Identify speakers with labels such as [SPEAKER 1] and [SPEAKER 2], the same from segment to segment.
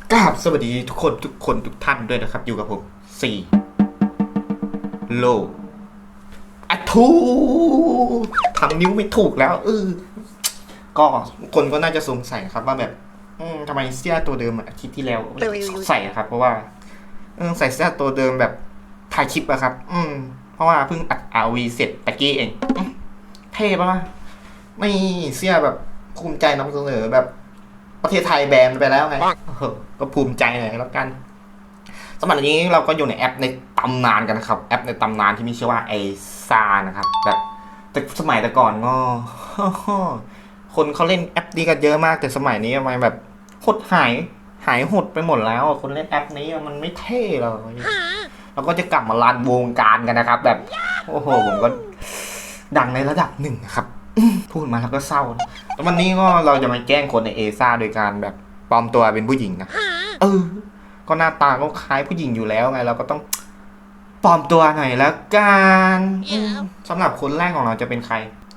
[SPEAKER 1] กราบสวัสดีทุกคนทุกท่านด้วยนะครับอยู่กับผมสี่โลอะทูทำนิ้วไม่ถูกแล้วก็คนก็น่าจะสงสัยครับว่าแบบทำไมเสื้อตัวเดิมอาทิตย์ที่แล้วใส่ครับเพราะว่าใส่เสื้อตัวเดิมแบบถ่ายคลิปอะครับเพราะว่าเพิ่งอัด RV เสร็จตะกี้เองเท่ปะไม่เสื้อแบบภูมิใจนำเสนอแบบประเทศไทยแบนไปแล้วไงก็ภูมิใจหน่อยแล้วกันสมัยนี้เราก็อยู่ในแอปในตำนานกันนะครับแอปในตำนานที่มีชื่อว่าไอซานะครับแบบแต่สมัยแต่ก่อนก็คนเขาเล่นแอปนี้กันเยอะมากแต่สมัยนี้ทำไมแบบหดหายหดไปหมดแล้วคนเล่นแอปนี้มันไม่เท่เลยเราก็จะกลับมารันวงการกันนะครับแบบโอ้โหผมก็ดังในระดับหนึ่งครับพูดมาแล้วก็เศร้าแล้ววันนี้ก็เราจะมาแกล้งคนในเอซ่าโดยการแบบปลอมตัวเป็นผู้หญิงนะก็หน้าตาก็คล้ายผู้หญิงอยู่แล้วไงเราก็ต้องปลอมตัวหน่อยแล้วกันสำหรับคนแรกของเราจะเป็นใคร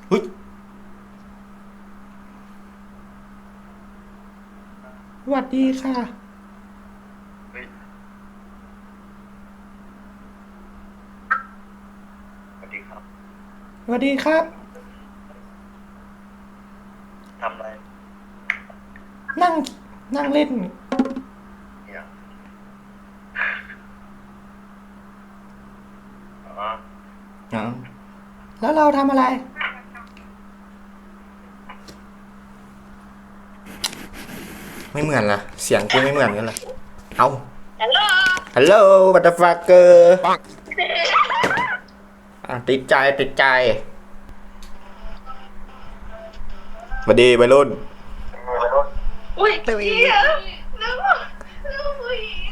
[SPEAKER 1] สวัสดีค่ะ
[SPEAKER 2] สวัสดีครับ
[SPEAKER 1] สวัสดีครับ
[SPEAKER 2] ทำอะไร
[SPEAKER 1] นั่งเล่น
[SPEAKER 2] เนี่ย
[SPEAKER 1] แล้วเราทำอะไร ไม่เหมือนล่ะเสียงกูไม่เหมือนกันเลยเอาฮัลโหลบัตเตอร์ฟักเกอร์ติดใจสวัสดีวัยรุ่น
[SPEAKER 3] อุ้ยเหี้ยนึกว่าผู้หญิง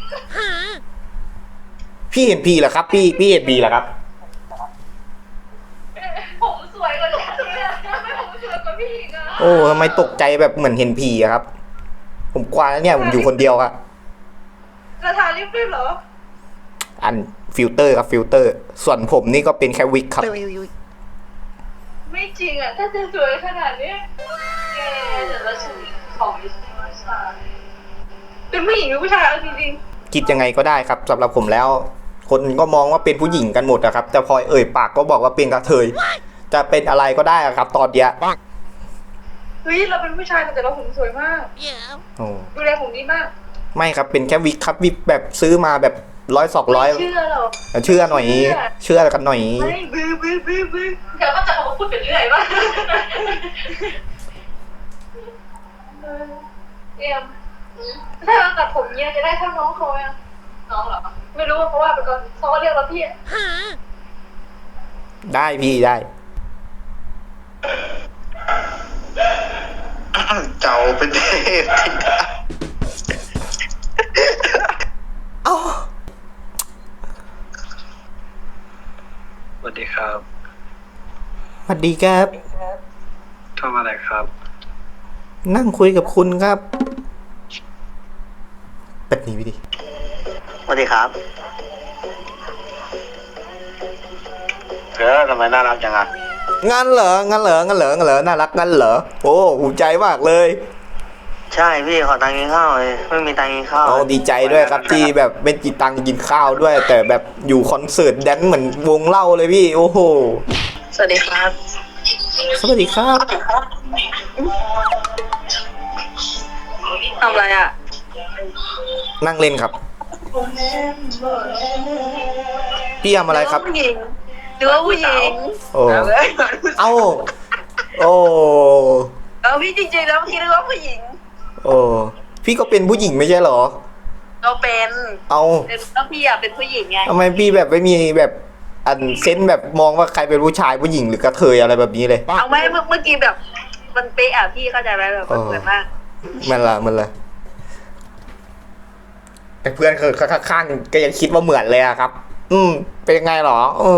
[SPEAKER 1] พี่เห็นพีเหรอครับพี่เห็นพีเหรอครับ
[SPEAKER 3] ผมสวยกว่าแล้วเนี่ยไม่ผมสวยกว่าพี่อีกอ่ะ
[SPEAKER 1] โอ้ทำไมตกใจแบบเหมือนเห็นพีอะครับผมกลัวแล้วเนี่ยผมอยู่คนเดียวอะ
[SPEAKER 3] กระทาลิปด้วยเหรอ
[SPEAKER 1] อันฟิลเตอร์ครับฟิลเตอร์ส่วนผมนี่ก็เป็นแค่วิกครับ
[SPEAKER 3] ไม่จริงอ่ะถ้าจะสวยขนาดนี้แกแต่ละชุดของผู้ชายเป็นผู้หญิงหรือผู้ชายเอาจริง
[SPEAKER 1] คิดยังไงก็ได้ครับสำหรับผมแล้วคนก็มองว่าเป็นผู้หญิงกันหมดอะครับแต่พอเอ่ยปากก็บอกว่าเป็นกระเทยจะเป็นอะไรก็ได้ครับตอนเนี้ย
[SPEAKER 3] เฮ้ยเราเป็นผู้ชายแต่เราผมสวยมากดูแลผมดีมาก
[SPEAKER 1] ไม่ครับเป็นแค่วิกครับวิกแบบซื้อมาแบบ100-200
[SPEAKER 3] เชื่อหรอ
[SPEAKER 1] เชื่อหน่อยเชื่อกันหน่อย
[SPEAKER 3] ไม่บื้อเดี๋ยวก็จะเอามาพูดไปเรื่อยว่าเอ็มถ้าเราตัดผมเนี้ยจะได้เท่าน้องเขาอ่ะน้องเหรอไม่รู้เพราะว่าเป็นคนเขาก็เรียกเราพี่
[SPEAKER 1] ได้พี่ได้
[SPEAKER 2] เจ้าเป็นเทพธิดาสวัสดีครับ
[SPEAKER 1] สวัสดีครับ
[SPEAKER 2] ทำอะไรครับ
[SPEAKER 1] นั่งคุยกับคุณครับเป็ดนี้วิธี
[SPEAKER 2] สวัสดีครับทำไมน่ารักจังอ่ะ
[SPEAKER 1] งั้นเหรอน่ารักงั้นเหรอโอ้ภูมิใจมากเลย
[SPEAKER 2] ใช่พี่ขอตังค์กินข้าวเลยไม่มีตังค์กินข้าว
[SPEAKER 1] ดีใจด้วยครับที่แบบไม่มีตังค์กินข้าวด้วยแต่แบบอยู่คอนเสิร์ตแดนเหมือนวงเล่าเลยพี่โอ้โห
[SPEAKER 3] สวัสดีครับ
[SPEAKER 1] สวัสดีครับ
[SPEAKER 3] ทำอะไรอ่ะ
[SPEAKER 1] นั่งเล่นครับพี่ทำอะไรครับ
[SPEAKER 3] หรือว่าผู้หญิง
[SPEAKER 1] โอ้เอ้าโอ้
[SPEAKER 3] พี่จริงๆแล้วพี่นึกว่าผู้หญิง
[SPEAKER 1] โอ้พี่ก็เป็นผู้หญิงไม่ใช่เหรอ
[SPEAKER 3] เราเป็น
[SPEAKER 1] เอา
[SPEAKER 3] แล้วพี่อยากเป็นผู้หญิงไง
[SPEAKER 1] ทำไมพี่แบบไม่มีแบบอันเซนแบบมองว่าใครเป็นผู้ชายผู้หญิงหรือกระเทยอะไรแบบนี้เลย
[SPEAKER 3] เอาไม่เมื่อกี้แบบมันเป๊ะอ่ะพี่เข้าใจไหมแบบเหมือนมาก
[SPEAKER 1] มันละแต่เพื่อนคือข้างๆก็ยังคิดว่าเหมือนเลยอะครับเป็นยังไงหรอ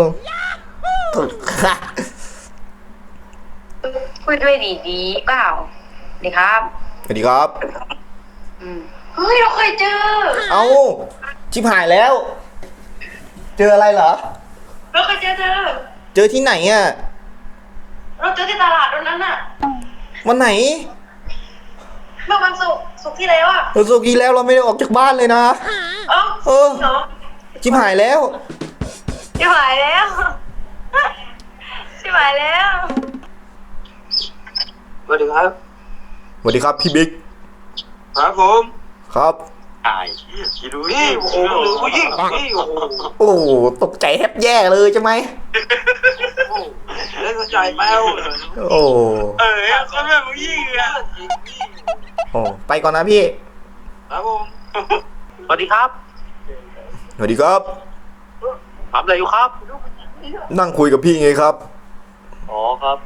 [SPEAKER 3] พูดด้วยดีเปล่าดีครับ
[SPEAKER 1] สวัสดีครับ
[SPEAKER 3] เฮ้ยเราเคยเจอ
[SPEAKER 1] เอ้าชิบหายแล้วเจออะไรเหรอ
[SPEAKER 3] เราเคยเจ
[SPEAKER 1] อที่ไหนอ่ะ
[SPEAKER 3] เราเจอที่ตลาดตรงนั้นอ่ะ
[SPEAKER 1] วันไหน
[SPEAKER 3] เมื่อวันศุกร์สุกที่แล้วอ่ะ
[SPEAKER 1] เราสุกี้แล้วเราไม่ได้ออกจากบ้านเลยนะ
[SPEAKER 3] เอ้า
[SPEAKER 1] เออ
[SPEAKER 3] เนาะ
[SPEAKER 1] ชิบหายแล้ว
[SPEAKER 3] ชิบหายแล้วชิบหายแล้ว
[SPEAKER 2] สวัสดีครับ
[SPEAKER 1] สวัสดีครับพี่บิ๊ก
[SPEAKER 2] ครับผม
[SPEAKER 1] ครับ
[SPEAKER 2] ไอ้คิดดูนี่โอ้โหผู้หญิงนี่โอ้โห
[SPEAKER 1] โอ้โหตกใจแทบแย่เลยใช่ไหม
[SPEAKER 2] เล่นใจแป้ว
[SPEAKER 1] โอ้
[SPEAKER 2] เขาเป็นผู้หญิงอ่ะ
[SPEAKER 1] โอ้ไปก่อนนะพี่
[SPEAKER 2] ครับผมสวัสดีครับ
[SPEAKER 1] สวัสดีครับ
[SPEAKER 2] ทำอะไรอยู่ครับ
[SPEAKER 1] นั่งคุยกับพี่ไงครับ
[SPEAKER 2] อ๋อครับ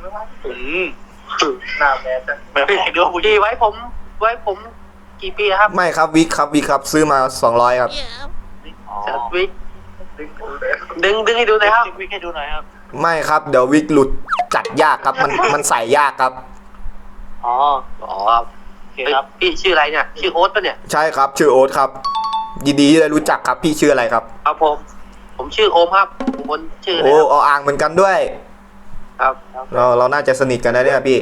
[SPEAKER 2] หน้าแม่แบบเดี๋ยวผู้หญิงไว้ผมกี่ปีครับ
[SPEAKER 1] ไม่ครับวิกครับซื้อมา200ครับ
[SPEAKER 2] วิกดึงให้ดูหน่อยครับวิกให้ดูหน่อยครับ
[SPEAKER 1] ไม่ครับเดี๋ยววิกหลุดจัดยากครับมันใส่ยากครับ
[SPEAKER 2] อ๋อครับโอเคครับพี่ชื่ออะไรเนี่ยชื่อโอ๊ตปะเนี่ย
[SPEAKER 1] ใช่ครับชื่อโอ๊ตครับยินดีที่ได้รู้จักครับพี่ชื่ออะไรครับ
[SPEAKER 2] ครับผมชื่อโอมครับผมคนชื่ออะไร
[SPEAKER 1] โอ้
[SPEAKER 2] ครับ
[SPEAKER 1] เอาอ่างเหมือนกันด้วย
[SPEAKER 2] ครับ
[SPEAKER 1] เราน่าจะสนิทกันนะเนี่ยพี่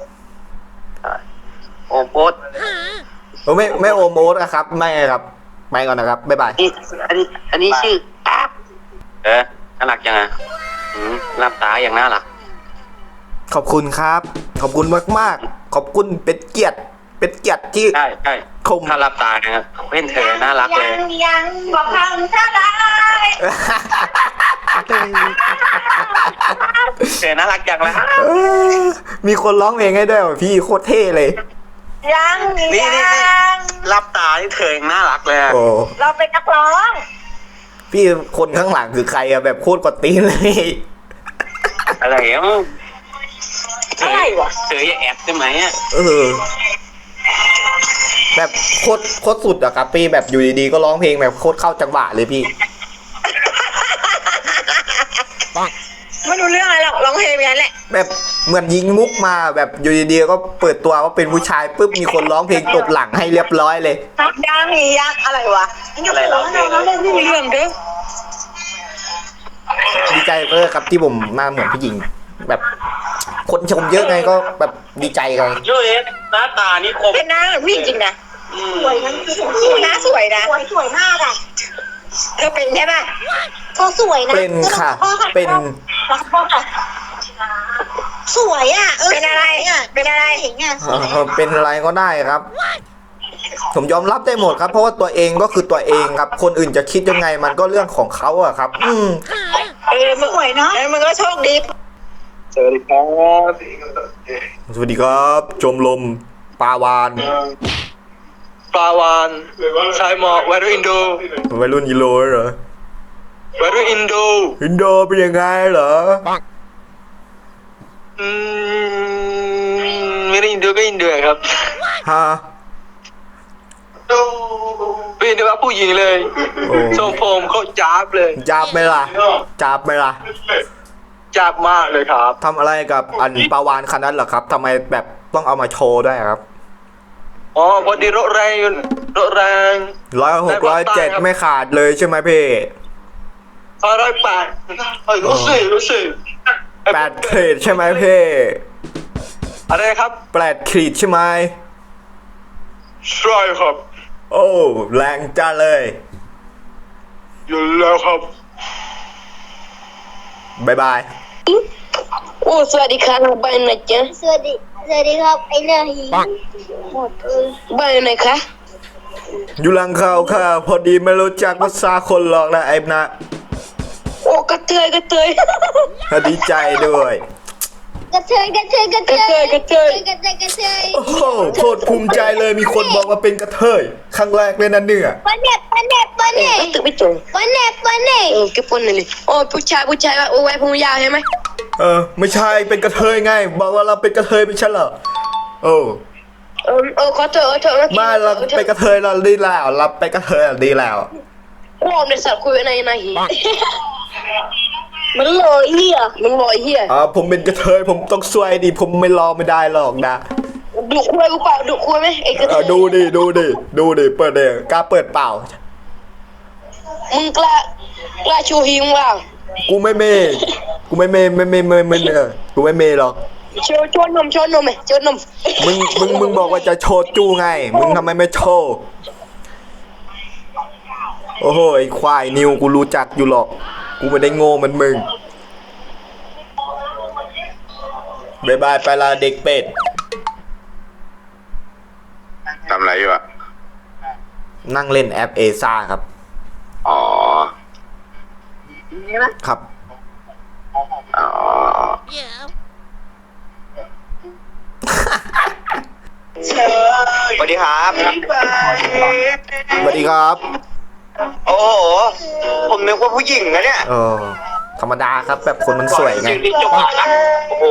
[SPEAKER 2] โอมโอ๊ต
[SPEAKER 1] โอ้ไม่โอมโอ๊ตนะครับไม่ครับไปก่อนนะครับบ๊ายบาย
[SPEAKER 2] นี่อันนี้ชื่อแอ๊บน่ารักยังไงรับตาอย่างน่ารัก
[SPEAKER 1] ขอบคุณครับขอบคุณมากๆขอบคุณเป็นเกียรติที่
[SPEAKER 2] ใช่
[SPEAKER 1] ชม
[SPEAKER 2] ถ้ารับตานะครับเพื่อนเธอน่ารักเลย
[SPEAKER 3] ยังบอกทำเท่าไร
[SPEAKER 2] เธอน่ารักจังเลย
[SPEAKER 1] มีคนร้องเพลงให้ด้วยว่ะพี่โคตรเท่เลย
[SPEAKER 3] ยัง
[SPEAKER 2] รับตาที่เธอยังน่ารักเลย
[SPEAKER 1] โอ้
[SPEAKER 3] เราเป็นนักร้อง
[SPEAKER 1] พี่คนข้างหลังคือใครอะแบบโคตรกดตีนเลย
[SPEAKER 2] อะไรอ่ะ
[SPEAKER 3] อะไรวะ
[SPEAKER 2] เธออย่าแอบได้ไหมอ่ะ
[SPEAKER 1] เออแบบโคตรสุดอะครับพี่แบบอยู่ดีๆก็ร้องเพลงแบบโคตรเข้าจังหวะเลยพี่
[SPEAKER 3] ไม่รู้เรื่องอะไรหรอกร้องเพลงอย่างนั้นแหละ
[SPEAKER 1] แบบเหมือนยิงมุกมาแบบอยู่ดีๆก็เปิดตัวว่าเป็นผู้ชายปุ๊บมีคนร้องเพลงตบหลังให้เรียบร้อยเลย
[SPEAKER 3] ยังอะไรวะ
[SPEAKER 2] อะไรร้องเพลง
[SPEAKER 3] ไม่มีเรื่องเด้อ
[SPEAKER 1] ดีใจเออครับที่ผมมาเหมือนผู้หญิง แบบคนชมเยอะไงก็แบบดีใจกัน
[SPEAKER 2] โยเอ๊ะหน้าตานี่คม
[SPEAKER 3] เป็นน้าผู้หญิงจริงนะสวยนะน้าสวยนะสวยมากอ่ะเธอเป็นใช่ป่ะเขาสวยนะ
[SPEAKER 1] เป็นค่ะเป็น
[SPEAKER 3] สวยอ่ะเป็นอะไรเป็นอะไรเห็นไง
[SPEAKER 1] เป็นอะไรก็ได้ครับ ผมยอมรับได้หมดครับ เพราะว่าตัวเองก็คือตัวเองครับ คนอื่นจะคิดยังไงมันก็เรื่องของเขาอะครับ
[SPEAKER 3] มึงสวยเนาะมึงก็โชคดี
[SPEAKER 2] สวัสดีครับ
[SPEAKER 1] สวัสดีครับชมรมปลาวาน
[SPEAKER 2] ปลาวานชายหมอกวัยรุ่นอินโด
[SPEAKER 1] วัยรุ่นยิโลเหรอ
[SPEAKER 2] วัยรุ่นอินโด
[SPEAKER 1] อินโดเป็นยังไงเหรอ
[SPEAKER 2] ไม่ได้อินโดก็อินเดียครับ
[SPEAKER 1] ฮะ
[SPEAKER 2] เป็นอินโดว่าผู้หญิงเลย
[SPEAKER 1] โอ้
[SPEAKER 2] ทรงผมเขาจับเลย
[SPEAKER 1] จับไหมล่ะจับไหมล่ะ
[SPEAKER 2] จับมากเลยครับ
[SPEAKER 1] ทำอะไรกับอันปลาวานคันนั้นเหรอครับทำไมแบบต้องเอามาโชว์ด้วยครับ
[SPEAKER 2] อ๋อพอดีรถแรง
[SPEAKER 1] 106 107ไม่ขาดเลยใช่ไหมพี่
[SPEAKER 2] 108รู้สึก
[SPEAKER 1] 8 ขีดใช่ไหมพี่
[SPEAKER 2] อะไรครับ
[SPEAKER 1] 8 ขีดใช่ไหม
[SPEAKER 2] ใช่ครับ
[SPEAKER 1] โอ้แรงจ้าเลย
[SPEAKER 2] อยู่แล้วครับ
[SPEAKER 1] บ๊ายบาย
[SPEAKER 4] โอ้สวัสดีครับบ้านไหนจ๊ะ
[SPEAKER 5] สวัสดีครับไอ้เรื่องหีหมดเลย
[SPEAKER 4] บ้านไหนคะ
[SPEAKER 1] อยู่หลังเขาค่ะ พอดีไม่รู้จักภาษาคนหรอกนะไอ้นะ
[SPEAKER 4] โอ้กระเทย
[SPEAKER 1] ดีใจด้วย
[SPEAKER 5] กระเทย
[SPEAKER 1] โอ้โหโคตรภูมิใจเลยมีคนบอกว่าเป็นกระเทยครั้งแรกเลยนะเนี่ย
[SPEAKER 5] วันเน็ต
[SPEAKER 4] ตึกไม่ตรง
[SPEAKER 5] วันเน็ต
[SPEAKER 4] แกปนหน่อยเลยโอ้ผู้ชายว่าโอ้ไว้ผมยาวใช่ไหม
[SPEAKER 1] ไม่ใช่เป็นกระเทยไง บอกว่าเราเป็นกระเทยไม่ใช่เหรอโอ้
[SPEAKER 4] ขอเถอะ
[SPEAKER 1] มาเราเป็นกระเทยเราดีแล้วเราเป็นกระเทยเราดีแล้ว
[SPEAKER 4] โอ้ในสัตว์คุยในหี
[SPEAKER 5] มันลอยเหี้ย
[SPEAKER 4] มันลอยเหี้ย
[SPEAKER 1] ผมเป็นกระเทยผมต้องสวยดิผมไม่รอไม่ได้หรอกนะ
[SPEAKER 4] ดุคุยกูเปล่าดุคุยไหมไอ้กระเทย
[SPEAKER 1] ดูดิเปิดเดกล้าเปิดเปล่า
[SPEAKER 4] มึงกล้าชูหิงเปล่า
[SPEAKER 1] กูไม่เมย์หรอก
[SPEAKER 4] โชว์นมไหมโชว์นม
[SPEAKER 1] มึงบอกว่าจะโชว์จูไง มึงทำไมไม่โชว์โอ้โหไอ้ควายนิวกูรู้จักอยู่หรอกกูไม่ได้โง่เหมือนมึงบายบายไปละเด็กเป็ด
[SPEAKER 2] ทำอะไรอยู่อ่ะ
[SPEAKER 1] นั่งเล่นแอปเอซ่าครับ
[SPEAKER 2] อ๋อ
[SPEAKER 1] ครับ
[SPEAKER 2] อ๋อ สวัสดีครับ
[SPEAKER 1] สวัสดีครับ
[SPEAKER 2] โอ้โห ผมนึกว่าผู้หญิงนะเนี่ย
[SPEAKER 1] ธรรมดาครับแบบคนมันสวยไง
[SPEAKER 2] โอ้โห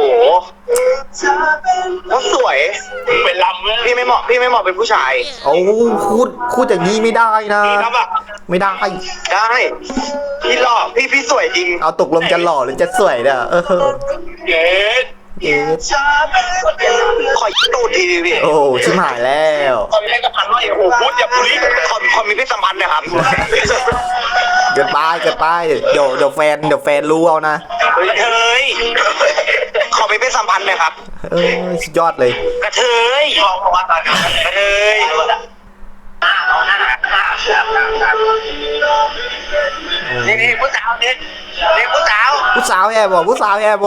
[SPEAKER 2] แล้วสวยเป็นลำพี่ไม่เหมาะเป็นผู้ชาย
[SPEAKER 1] เอาพูดอย่างนี้ไม่ได้นะ ไม่ได้
[SPEAKER 2] ได้ พี่หล่อพี่สวยจริง
[SPEAKER 1] เอาตกลงจะหล่อหรือจะสวยเนี่ย
[SPEAKER 2] เย็ด
[SPEAKER 1] เอ๊ะ
[SPEAKER 2] ขอตูดทีดิพี่
[SPEAKER 1] โอ้ชิบหายแล้ว
[SPEAKER 2] ขอมีเพศสัมพันธ์หน่อยโอ้โหพูดอย่าพูดขอมีเพศสัมพันธ์นะครับ
[SPEAKER 1] เกิดไปเดี๋ยวแฟนรู้เอานะ
[SPEAKER 2] กระเทยขอมีเพศสัมพันธ์หน่อยครับ
[SPEAKER 1] สุดยอดเลย
[SPEAKER 2] กระเทยกระเทยนี่ผู้สาวนี่ผู้สาว
[SPEAKER 1] ผู้สาวแย่บ่ผู้สาวแย่บ่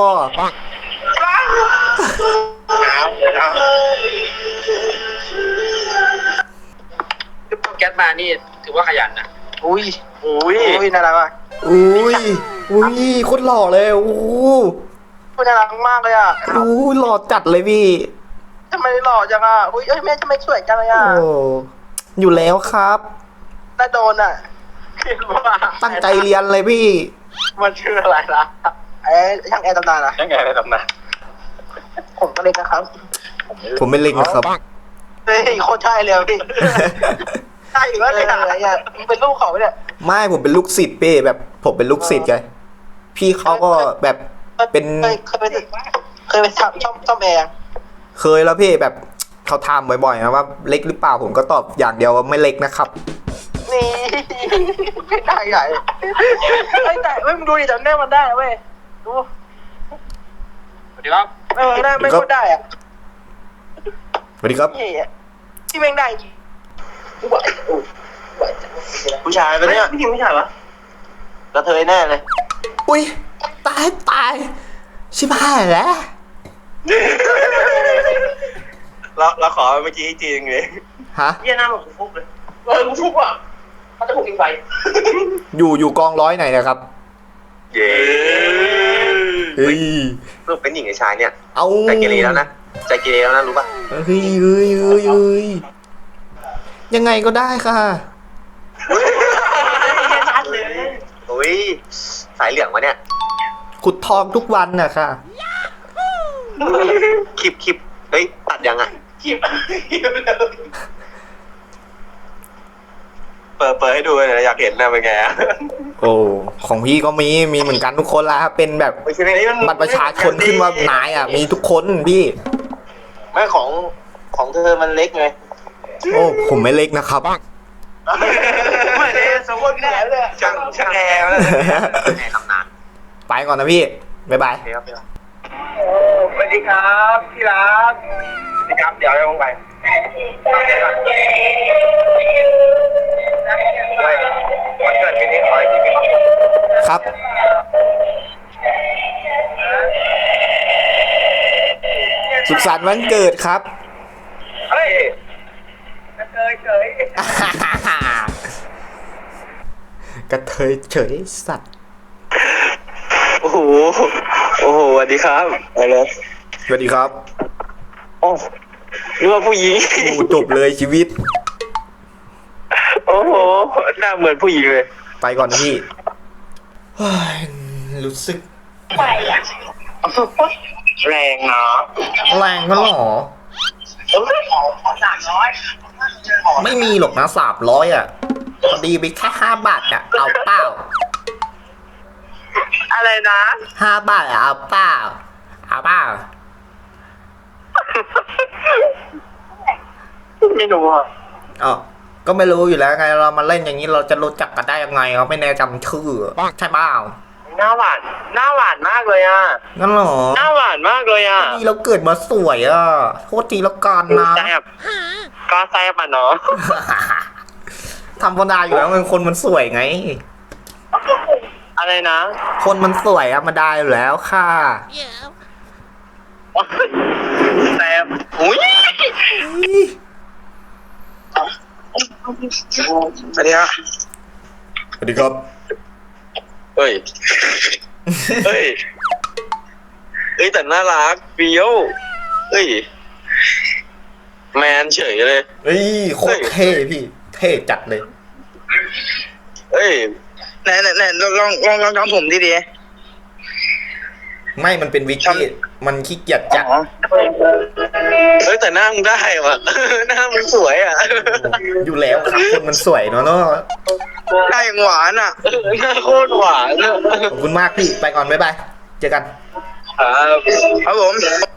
[SPEAKER 2] แก๊สมานี่ถือว่าขยันนะอุ้ยน่ารักมาก
[SPEAKER 1] อุ้ยโคตรหล่อเลยโอ้
[SPEAKER 2] น่ารักมากเลยอ่ะ
[SPEAKER 1] หล่อจัดเลยพี่
[SPEAKER 2] ทำไมหล่อจังอ่ะอุ้ยแม่ทำไมสวยจังเลยอ่ะ
[SPEAKER 1] โอ้อยู่แล้วครับ
[SPEAKER 2] น่าโดนอ่ะคิดว่า
[SPEAKER 1] ตั้งใจเรียนเลยพี่
[SPEAKER 2] มันชื่ออะไรล่ะช่างแอร์ตำนานอ่ะช่างแอร์ในตำนานผมก็เล็กนะครับ
[SPEAKER 1] ผมไม่เล็กนะครับ
[SPEAKER 2] เฮ้ยโคตรใช่เลยพี่ใช่อยู่แล้วเลยอะไรอ่ะมึงเป็นลูกเขาเนี่ย
[SPEAKER 1] ไม่ผมเป็นลูกศิษย์พี่แบบผมเป็นลูกศิษย์ไงพี่เขาก็แบบเป็น
[SPEAKER 2] เคยไปทำช่อมแอร์
[SPEAKER 1] เคยแล้วพี่แบบเขาถามบ่อยๆนะว่าเล็กหรือเปล่าผมก็ตอบอย่างเดียวว่าไม่เล็กนะครับ
[SPEAKER 2] นี่ไม่ได้ใหญ่ไม่ได้เว้ยมึงดูดิจำแน่มันได้เว้ยดูสวัสดีครับได้ไม่ก็ได้อ่ะ
[SPEAKER 1] สวัสดีครับ
[SPEAKER 2] ที่แม่งได้จริงผู้ชายปะเนี่ยผู้หญิงผู้ชายวะกระเทยแน่เลย
[SPEAKER 1] อุ้ยตายชิบหายแล้ว
[SPEAKER 2] เราขอเมื่อกี้จริงเลย
[SPEAKER 1] ฮะ
[SPEAKER 2] เยี่ยหน้าเหมือนกูฟุกเลยกูฟุกอ่ะเขาจะผูกทิ้งไฟ
[SPEAKER 1] อยู่กองร้อยไหนนะครับ
[SPEAKER 2] เย้
[SPEAKER 1] เฮ้ย
[SPEAKER 2] ลูกเป็นหญิงกับชายเนี่ย
[SPEAKER 1] เอา
[SPEAKER 2] ใจเกเรแล้วนะใจเกเรแล้วนะรู้ป่ะ
[SPEAKER 1] เฮ้ยยังไงก็ได้ค่ะ
[SPEAKER 2] ชัดเลยอุ้ยสายเหลืองวะเนี่ย
[SPEAKER 1] ขุดทองทุกวันน่ะค่ะ
[SPEAKER 2] คลิปเฮ้ยตัดยังอ่ะคลิปเปิดให้ดูหน่อยอยากเห็นนะเป็นไงอ่ะ
[SPEAKER 1] โอ้ของพี่ก็มีเหมือนกันทุกคนละครับเป็นแบบบัตรประชาชนขึ้นว่านายอ่ะมีทุกคนพี่
[SPEAKER 2] ไม่ของเธอมันเล็กไง
[SPEAKER 1] โอ้ผมไม่เล็กนะครับ
[SPEAKER 2] ไม่ได้สมมติแน่เลยช่างแอร์แอร์ทำนาน
[SPEAKER 1] ไปก่อนนะพี่บ๊ายบาย
[SPEAKER 2] สวัสดีครับพี่รักสวัสดีครับเดี๋ยวลงไปวันเกิดปีนี้ขอให้พี่มีความสุข
[SPEAKER 1] ครับสุขสันต์วันเกิดครับ
[SPEAKER 2] เฮ้ยกระเทยเฉย
[SPEAKER 1] กระเทยเฉยสัตว์
[SPEAKER 2] โอ้โหสวัสดีครับอะไร
[SPEAKER 1] สวัสดีครับ
[SPEAKER 2] โอ้นึกว่าผู้หญิง
[SPEAKER 1] โอ้จบเลยชีวิต
[SPEAKER 2] โอ้โหหน้าเหมือนผู้หญิงเลย
[SPEAKER 1] ไปก่อนนะพี่เฮ้ยรู้สึก
[SPEAKER 2] แรงเนาะ
[SPEAKER 1] แรงก็หรอ
[SPEAKER 2] 300
[SPEAKER 1] ไม่มีหรอกนะ300อ่ะพอดีไปแค่5 บาทอ่ะเอาเปล่า
[SPEAKER 2] อะไรนะ
[SPEAKER 1] 5 บาทอ่ะเอาเปล่าเอาเปล่า
[SPEAKER 2] ไม่รู้อ่ะ
[SPEAKER 1] อ๋อก็ไม่รู้อยู่แล้วไงเรามาเล่นอย่างนี้เราจะรู้จักกันได้ยังไงเขาไม่แน่จำชื่อใช่เปล่า
[SPEAKER 2] โหน้าหวานมากเลยอ่ะ
[SPEAKER 1] งั้นเหรอ
[SPEAKER 2] หน้าหวานมากเลยอ่ะ
[SPEAKER 1] นี่เราเกิดมาสวยอ่ะโทษทีละกันนะ
[SPEAKER 2] แซ่บก็แซ่บอ่ะเนาะ
[SPEAKER 1] ธรรมดาอยู่แล้วมันคนมันสวยไง
[SPEAKER 2] อะไรนะ
[SPEAKER 1] คนมันสวยธรรมดาอยู่แล้วค่ะ
[SPEAKER 2] แซ่บอุ้ยสวัสดีครับ
[SPEAKER 1] สวัสดีครับ
[SPEAKER 2] เฮ้ยเฮ้ยแต่น่ารักเฟี้ยวเฮ้ยแมนเฉยเลย
[SPEAKER 1] เฮ้ยโคตรเท่พี่ เท่จัดเลย
[SPEAKER 2] เฮ้ยไหนลองทำผมดี
[SPEAKER 1] ไม่มันเป็นวิกกี้มันขี้เกียจจัด
[SPEAKER 2] เฮ้ยแต่หน้ามึงได้ว่ะ หน้ามึงสวยอ่ะ
[SPEAKER 1] อยู่แล้วครับคนมันสวยเนาะหน้
[SPEAKER 2] าอย่างหวานอ่ะหน้าโคตรหวานอ่ะ
[SPEAKER 1] ขอบคุณมากพี่ไปก่อนบ๊ายบายเจอกัน
[SPEAKER 2] ครับผม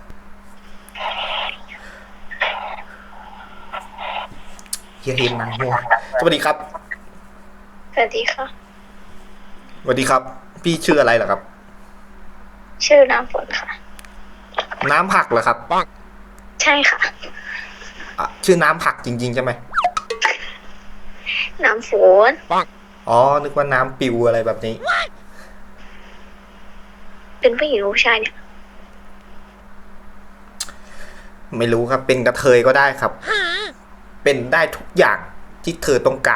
[SPEAKER 1] เฮียเฮนนางหัวสวัสดีครับ
[SPEAKER 5] สวัสดีค่ะ
[SPEAKER 1] สวัสดีครับ พี่ชื่ออะไรเหรอครับ
[SPEAKER 5] ชื่อน้ำฝนค่ะ
[SPEAKER 1] น้ำผักเหรอครับ
[SPEAKER 5] ใช่ค่ะ
[SPEAKER 1] อ่ะชื่อน้ำผักจริงๆใช่ไหม
[SPEAKER 5] น้ำฝน
[SPEAKER 1] อ๋อนึกว่าน้ำปิวอะไรแบบนี้
[SPEAKER 5] เป็นผู้หญิงหรือผู้ชายเนี่ย
[SPEAKER 1] ไม่รู้ครับ เป็นกระเทยก็ได้ครับ เป็นได้ทุกอย่างที่เธอต้องการ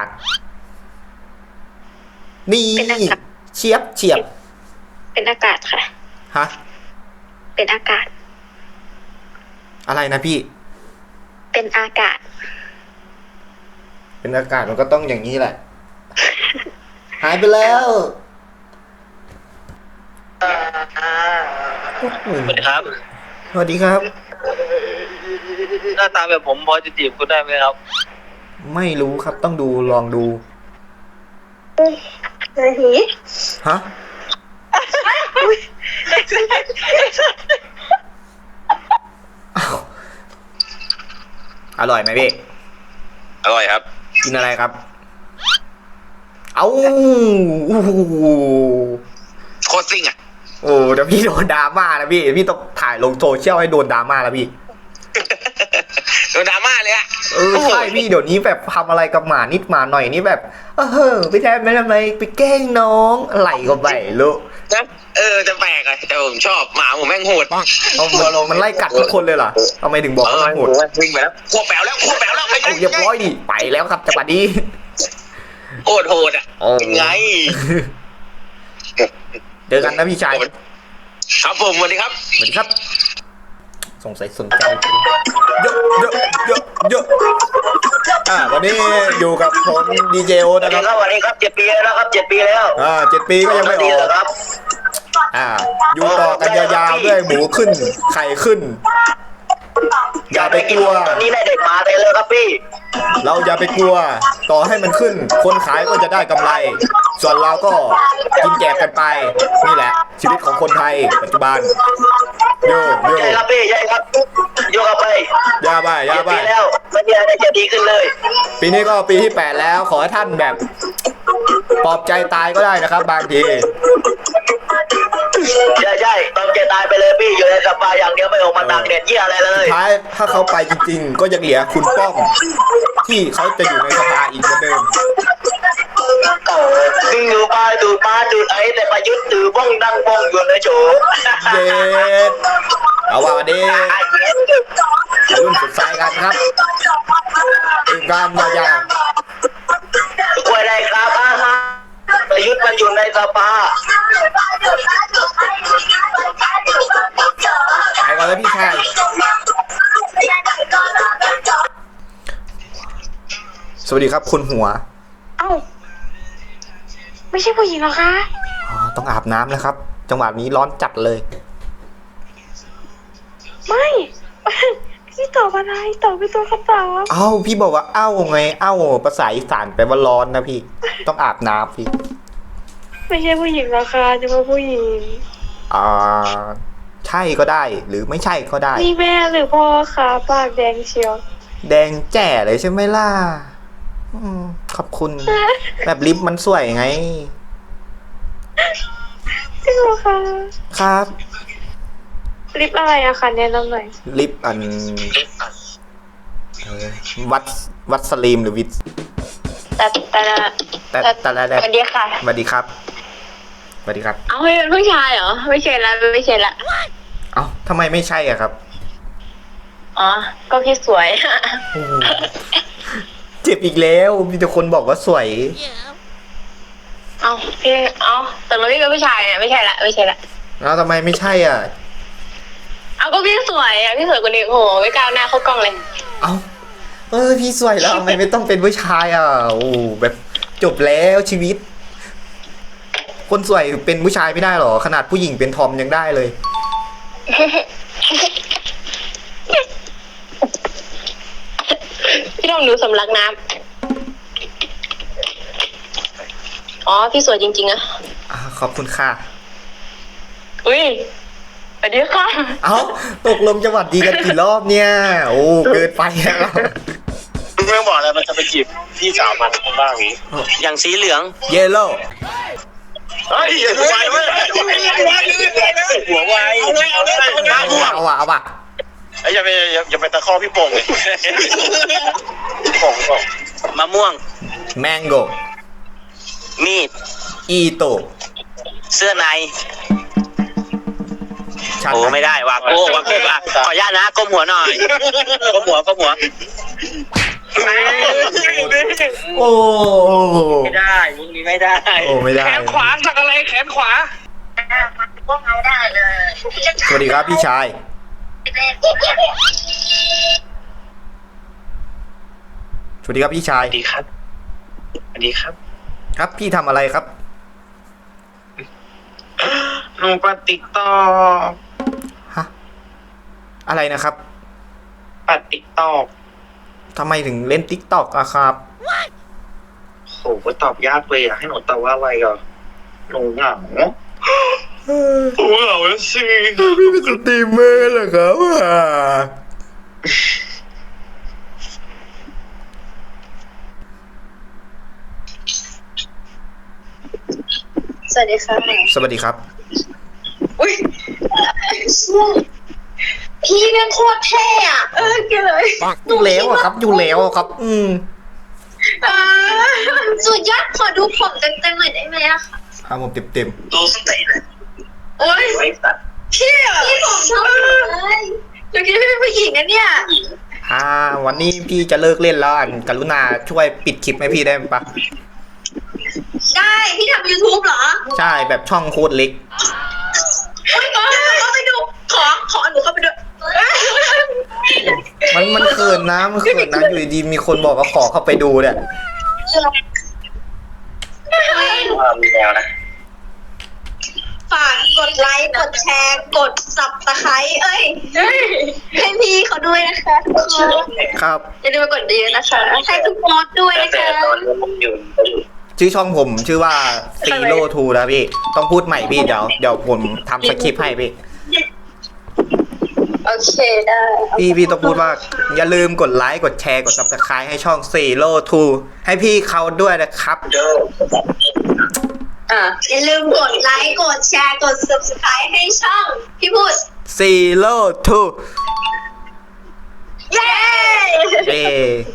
[SPEAKER 1] นี่เฉียบ
[SPEAKER 5] เป็นอากาศค่ะ
[SPEAKER 1] ฮะ
[SPEAKER 5] เป็นอากาศ
[SPEAKER 1] อะไรนะพี่
[SPEAKER 5] เป็นอากาศ
[SPEAKER 1] เป็นอากาศมันก็ต้องอย่างนี้แหละ หายไปแล้ว
[SPEAKER 2] สวัสดีครับ
[SPEAKER 1] สวัสดีครับ
[SPEAKER 2] หน้าตาแบบผมพอจะจีบคุณได้ไหมครับ
[SPEAKER 1] ไม่รู้ครับต้องดูลองดู
[SPEAKER 5] เฮ้ย
[SPEAKER 1] ฮะ อ้าวอร่อยไหมพี่
[SPEAKER 2] อร่อยครับ
[SPEAKER 1] กินอะไรครับ เอาอู้หู
[SPEAKER 2] โคตรซิ่งอ่ะ
[SPEAKER 1] โอ้เดี๋ยวพี่โดนดราม่านะพี่พี่ต้องถ่ายลงโซเชียลให้โดนดราม่าแล้วพี่
[SPEAKER 2] โดนดราม่าเลยอ่ะ
[SPEAKER 1] ใช่พี่เดี๋ยวนี้แบบทำอะไรกับหมานิดหมาหน่อยนี่แบบไปทำไมไปแกล้งน้องอะไรก็ไม่รู้
[SPEAKER 2] จะแปลกอะแต่ผมชอบหมาผมแม่งโหด
[SPEAKER 1] มันไล่กัดทุกคนเลยเหรอทำไมถึงบอกว่ามันโหด
[SPEAKER 2] วิ่งไปแล้วขวบแปวแล้วไป
[SPEAKER 1] เอาเรียบร้อยดิไปแล้วครับจังหวะนี้
[SPEAKER 2] โหดอ่ะเป็นไง
[SPEAKER 1] เจอกันนะพี่ชาย
[SPEAKER 2] ครับผมสวัสดีครับ
[SPEAKER 1] สวัสดีครับ สงสัยสนใจเยอะวันนี้อยู่กับผมดีเจโอนะครับ
[SPEAKER 2] สวัสดีครับ7 ปีแล้วครับ7 ปีแล้ว
[SPEAKER 1] 7 ปีก็ยังไม่ออก
[SPEAKER 2] ครับ
[SPEAKER 1] อยู่ต่อกันยาวๆด้วยหมูขึ้นไข่ขึ้น อย่าไปกลัว
[SPEAKER 2] ตอนนี้ได้เด็กมาเต็มเลยครับพี่
[SPEAKER 1] เราอย่าไปกลัว ต่อให้มันขึ้น คนขายก็จะได้กำไร ส่วนเราก็กินแจกกันไป นี่แหละ ชีวิตของคนไทยปัจจุบันโย
[SPEAKER 2] ใช่ครับพี่ใช่ครับโยกไป
[SPEAKER 1] ยาบ้าย
[SPEAKER 2] ปีแล้วไม่มีอะไรจะดีขึ้นเลย
[SPEAKER 1] ปีนี้ก็ปีที่ 8 แล้ว ขอให้ท่านแบบปลอบใจตายก็ได้นะครับ บางที
[SPEAKER 2] ใช่ตอนแกตายไปเลยพี่อยู่ในสภาอย่างเดียวไม่ออกมาตากแดดเยี่ยอะไรเลย
[SPEAKER 1] ท้ายถ้าเขาไปจริงๆ ก็ยังเหลือคุณป้อม ที่เขาจะอยู่ในสภาอีกเหมือนเดิม
[SPEAKER 2] ดึงอยู่ปลายดูดมาดูดไอ้แต่ประยุทธ์ถือบ้องดังบ้องอยู่ในโฉม
[SPEAKER 1] เย็ดเอาว่าวันนี้รุ่นสุดสายกันครับอีกการยาว
[SPEAKER 2] คุยได้ครับประยุทธ์มันอยู่ในสภา
[SPEAKER 1] ไปก่อนแล้วพี่ชายสวัสดีครับคุณหัว
[SPEAKER 5] เอ้า ไม่ใช่ผู้หญิงเหรอคะ
[SPEAKER 1] ต้องอาบน้ำแล้วครับ จังหวะนี้ร้อนจัดเลย
[SPEAKER 5] ไม่ พี่ตอบอะไรตอบเป็นตัวคำตอบ
[SPEAKER 1] เอ้าพี่บอกว่าเอ้าไงเอ้าภาษาอีสานแปลว่าร้อนนะพี่ ต้องอาบน้ำพี่
[SPEAKER 5] ไม่ใช่ผู้หญิงเหรอคะจะมาผู้หญิง
[SPEAKER 1] ใช่ก็ได้หรือไม่ใช่ก็ได้
[SPEAKER 5] นี่แม่หรือพ่อคะปากแดงเชียว
[SPEAKER 1] แดงแจ๋เลยใช่ไหมล่ะขอบคุณ แบบลิปมันสวยไง
[SPEAKER 3] จริงเหรอคะ
[SPEAKER 1] ครับ
[SPEAKER 3] ลิปอะไรอะคะแนะนำหน่อย
[SPEAKER 1] ลิปเออวัดสลีมหรือวิด
[SPEAKER 4] แต่
[SPEAKER 1] แต่ละ
[SPEAKER 4] สวัสดีค่ะ
[SPEAKER 1] สวัสดีครับสวัสดีครับ
[SPEAKER 4] เอาให้เป็นผู้ชายเหรอไม่ใช่ละไม่ใช่ละ
[SPEAKER 1] เอ้าทำไมไม่ใช่อ่ะครับ
[SPEAKER 4] อ๋อก็พี่สวย
[SPEAKER 1] โอ้โหเจ็บอีกแล้วมีแต่คนบอกว่าสวย
[SPEAKER 4] เอาพี่เอาแต่เราพี่เป็นผู้ชายเนี่ยไม่ใช่ละไม่ใช่ละ
[SPEAKER 1] แล้วทำไมไม่ใช่อ่ะ
[SPEAKER 4] เอาก็พี่สวยอ่ะพี่สวยกว่านี้โอ้โหไม่กล้าหน้าเข้ากล้องเลย
[SPEAKER 1] เอ้าพี่สวยแล้วทำไมไม่ต้องเป็นผู้ชายอ่ะโอ้แบบจบแล้วชีวิต คนสวยเป็นผู้ชายไม่ได้หรอขนาดผู้หญิงเป็นทอมยังได้เลย
[SPEAKER 4] พี่ต้องดูสำลักน้ำอ๋อพี่สวยจริงๆอะ
[SPEAKER 1] ขอบคุณค่ะ
[SPEAKER 4] อุ้ยสวัสดีค่ะ
[SPEAKER 1] เอ้าตกลงจะหวัดดีกันกี่รอบเนี่ย โอ้เกินไปแล้ว
[SPEAKER 2] เรื่องบอกอะไรมันจะไปจีบพี่สาวมันบ้างอย่างนี้ อย่างสีเหลือง
[SPEAKER 1] เยลโล่
[SPEAKER 2] เฮ้ยอย่าไวเว้ยหัวไวเอาเลย
[SPEAKER 1] เอาว่ะ
[SPEAKER 2] ไอ้อย่าไปตะคอพี่โป่งเลยพี่โป่งมะม่วง
[SPEAKER 1] แมงโก
[SPEAKER 2] มีด
[SPEAKER 1] อีโต
[SPEAKER 2] เสื้อใน
[SPEAKER 1] ชัด
[SPEAKER 2] โอ้ไม่ได้วาโก้อ่ะขออนุญาตนะก้มหัวหน่อยก้มหัว
[SPEAKER 1] โอ้
[SPEAKER 2] ไม่ได้มุกนี้ไม่ได้
[SPEAKER 1] โอ้ไม่ได้
[SPEAKER 2] แขนขวาสักอะไรแขนขวา
[SPEAKER 5] ก็เอาได้เลย
[SPEAKER 1] สวัสดีครับพี่ชาย สวัสดีครับพี่ชาย
[SPEAKER 2] สวัสดีครับสวัสดีครับ
[SPEAKER 1] ครับพี่ทำอะไรครับ
[SPEAKER 2] หนูปัดติ๊กตอก
[SPEAKER 1] ฮะ อะไรนะครับ
[SPEAKER 2] ปัดติ๊กตอก
[SPEAKER 1] ทำไมถึงเล่นติ๊กต็อกอะครับ
[SPEAKER 2] โหก็ตอบยากเลยอะให้หนูตอบว่าอะไรก่อนหนูเหงาหนูเหงาแล้วสิ
[SPEAKER 1] พี่เป็นสตรีมเมอร์เหรอครับ
[SPEAKER 4] สวัสดีค่ะ
[SPEAKER 1] สวัสดีครับ
[SPEAKER 4] อุ้ย
[SPEAKER 5] พี่เป็นโคตรเท่อะ
[SPEAKER 4] กันเลย
[SPEAKER 1] อยู่แล้วอะครับ อยู่แล้วอะครับ
[SPEAKER 5] สุดยอดขอดูผมเต็มๆหน่อยได้ไหมอะคะ
[SPEAKER 1] เอาผมเต็ม
[SPEAKER 2] ดูสเตย์เลย
[SPEAKER 4] โอ้ย
[SPEAKER 2] ไม่ตัด
[SPEAKER 4] พี่อะ
[SPEAKER 5] พี่ผมชอบเลย
[SPEAKER 4] เมื่อกี้พี่เป็นผู้หญิงนะเนี่ย
[SPEAKER 1] วันนี้พี่จะเลิกเล่นแล้วกรุณาช่วยปิดคลิปให้พี่ได้ปะ
[SPEAKER 5] ได้พี่ทำ YouTube เหรอ
[SPEAKER 1] ใช่แบบช่องโคตรเล็ก
[SPEAKER 5] โอ๊ยเข้าไปดูขอหนูเข้าไปดู
[SPEAKER 1] มันเขินนะอยู่ดีๆมีคนบอกว่าขอเข้าไปดูเนี่ย
[SPEAKER 2] ว่ามีแนวนะ
[SPEAKER 5] ฝากกดไลค์กดแชร์กด Subscribe ให้พี่เขาด้วยนะคะทุกคน
[SPEAKER 1] ครับ
[SPEAKER 4] อย่าลืมไปกดดีนะคะ
[SPEAKER 5] ให้ทุกโพสต์ด้วยนะ
[SPEAKER 2] แต่
[SPEAKER 5] คะ
[SPEAKER 2] ตอนนี้ผมอยู่
[SPEAKER 1] ชื่อช่องผมชื่อว่าZero Two นะพี่ ต้องพูดใหม่พี่เดี๋ยวผมทำสคริปต์ให้พี่
[SPEAKER 4] โอเคได้
[SPEAKER 1] พี่ต้องพูดว่าอย่าลืมกดไลค์กดแชร์กด Subscribe ให้ช่องZero Two ให้พี่เขาด้วยนะครับ
[SPEAKER 5] อย่าลืมกดไลค์กดแชร์กด Subscribe ให้ช่องพี่พูด
[SPEAKER 1] Zero Two
[SPEAKER 5] เย้
[SPEAKER 1] เย้